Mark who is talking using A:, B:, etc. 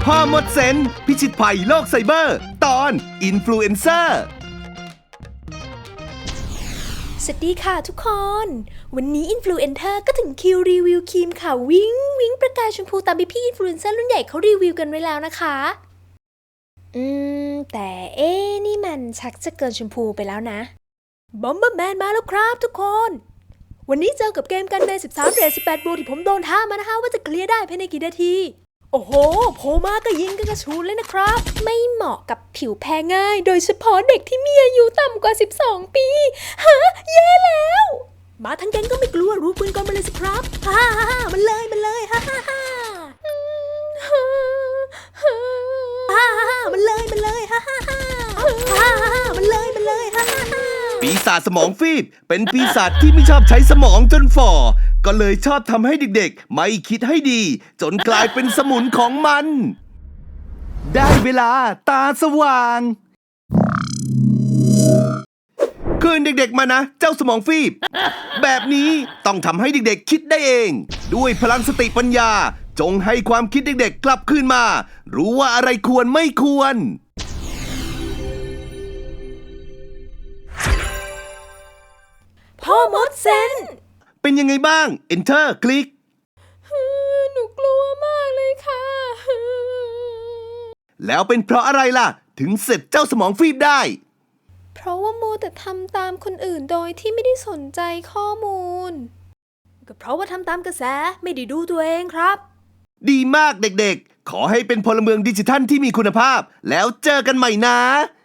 A: พ่อมดเซนพิชิตภัยโลกไซเบอร์ตอนอินฟลูเอนเซอร์
B: สวัสดีค่ะทุกคน วันนี้อินฟลูเอนเซอร์ก็ถึงคิวรีวิวครีมค่ะวิงวิงประกายชมพูตามพี่อินฟลูเอนเซอร์รุ่นใหญ่เขารีวิวกันไว้แล้วนะคะแต่นี่มันชักจะเกินชมพูไปแล้วนะบอมเบอร์แมนมาแล้วครับทุกคนวันนี้เจอกับเกมกันใน13 เรท 18 บวกที่ผมโดนท้ามานะคะว่าจะเคลียร์ได้ภายในกี่นาทีโอ้โหโผล่มาก็ยิงกันกระชูนเลยนะครับไม่เหมาะกับผิวแพ้ง่ายโดยเฉพาะเด็กที่มีอายุต่ำกว่า12 ปีฮะแย่แล้วมาทั้งแก๊งก็ไม่กลัวรู้ปืนก่อนมาเลยสิครับฮ่าฮ่ามันเลยฮ่าฮ่าฮ่ามันเลยฮ่าฮ่าฮ่ามันเลยฮ่าฮ่าฮ่า
A: ปีศาจสมองฟีบเป็นปีศาจที่ไม่ชอบใช้สมองจนฝ่อก็เลยชอบทำให้เด็กๆไม่คิดให้ดีจนกลายเป็นสมุนของมันได้เวลาตาสว่างคืนเด็กๆมานะเจ้าสมองฟีบแบบนี้ต้องทำให้เด็กๆคิดได้เองด้วยพลังสติปัญญาจงให้ความคิดเด็กๆกลับคืนมารู้ว่าอะไรควรไม่ควร
B: พ่อมดเซน
A: เป็นยังไงบ้าง Enter คลิก
B: หนูกลัวมากเลยค่ะ
A: แล้วเป็นเพราะอะไรล่ะถึงเสร็จเจ้าสมองฟีบได้
B: เพราะว่ามัวแต่ทำตามคนอื่นโดยที่ไม่ได้สนใจข้อมูลก็เพราะว่าทำตามกระแสไม่ได้ดูตัวเองครับ
A: ดีมากเด็กๆขอให้เป็นพลเมืองดิจิทัลที่มีคุณภาพแล้วเจอกันใหม่นะ